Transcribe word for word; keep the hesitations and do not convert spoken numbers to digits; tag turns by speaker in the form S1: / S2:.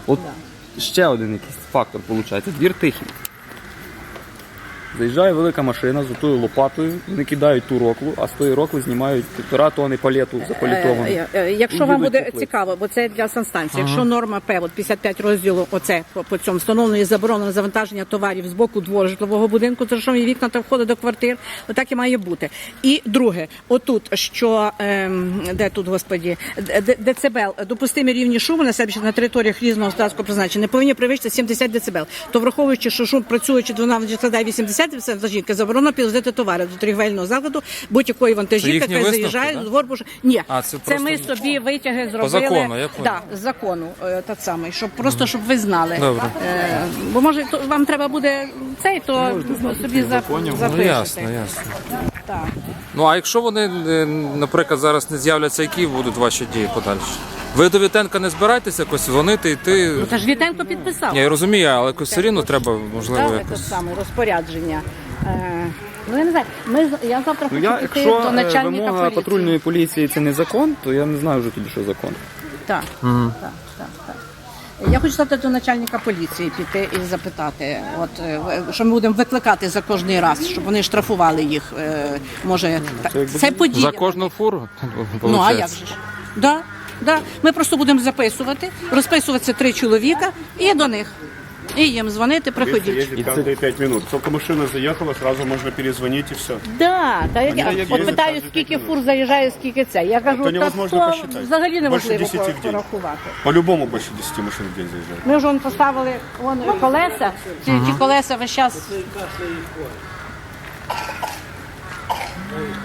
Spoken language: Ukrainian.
S1: От ще один якийсь фактор виходить. Двір тихий. Заїжджає велика машина з отою лопатою, вони кидають ту роклу, а з тої рокли знімають півтора тони палету запалітовану.
S2: Е, е, Якщо
S1: І
S2: вам
S1: їдуть
S2: буде
S1: по плитці.
S2: цікаво, бо це для санстанції, якщо норма П, от п'ятдесят п'ять розділу, оце по, по цьому встановлено і заборонено завантаження товарів з боку двору житлового будинку, це що є вікна та входи до квартир, отак і має бути. І друге, отут, що, ем, де тут, господі, д- децибел, допустимі рівні шуму на себе на територіях різного господарського призначення не повинні перевищити сімдесят децибел. То враховуючи, що шум працюючи дванадцять складає вісімдесят децибел, заборонено підвозити товари до торгівельного закладу будь-якої вантажівки,
S3: їхні
S2: яка
S3: висновки,
S2: заїжджає
S3: да?
S2: до двору. Ні,
S3: А, це
S2: це
S3: просто
S2: ми собі витяги зробили.
S3: закону, я понял.
S2: Да, з закону, е, так само, щоб просто щоб ви знали.
S3: Добре.
S2: Е, бо може то, вам треба буде цей, то собі за, запишете.
S3: Ну, ясно, ясно.
S2: Так.
S3: Ну, а якщо вони, е, наприклад, зараз не з'являться, які будуть ваші дії подальші? Ви до Вітенка не збираєтеся якось дзвонити, йти?
S2: Ну, та ж Вітенко підписав.
S3: Ні, я розумію, але якось все рівно треба, можливо,
S2: Так, це
S3: якось.
S2: саме розпорядження. Е, ну, я не знаю, ми, з- я завтра
S1: Ну,
S2: хочу
S1: я,
S2: піти
S1: якщо
S2: до
S1: е,
S2: начальника
S1: вимога
S2: поліції.
S1: патрульної поліції це не закон, то я не знаю вже тоді, що закон.
S2: Так, так, так, так. Я хочу завтра до начальника поліції піти і запитати, от, е, що ми будемо викликати за кожний раз, щоб вони штрафували їх. е, Може, та- це подія.
S3: За кожну фуру?
S2: Ну, а як же ж? Да, да. Ми просто будемо записувати, розписуватися три чоловіка і до них. І їм дзвонити, приходіть.
S4: Ездит каждые пять минут. Только машина заехала, сразу можно перезвонить и все.
S2: Да, та як я
S4: як
S2: от
S4: їздять
S2: питаю,
S4: кожен
S2: скільки
S4: п'ять
S2: фур заїжджає, скільки це. Я кажу,
S4: То
S2: та
S4: невозможно
S2: то
S4: посчитать.
S2: взагалі
S4: Більше
S2: неможливо
S4: десяти в день.
S2: порахувати.
S4: По-любому больше десяти машин в день заезжает.
S2: Ми вже вон поставили вон колеса, ці, ті колеса весь час.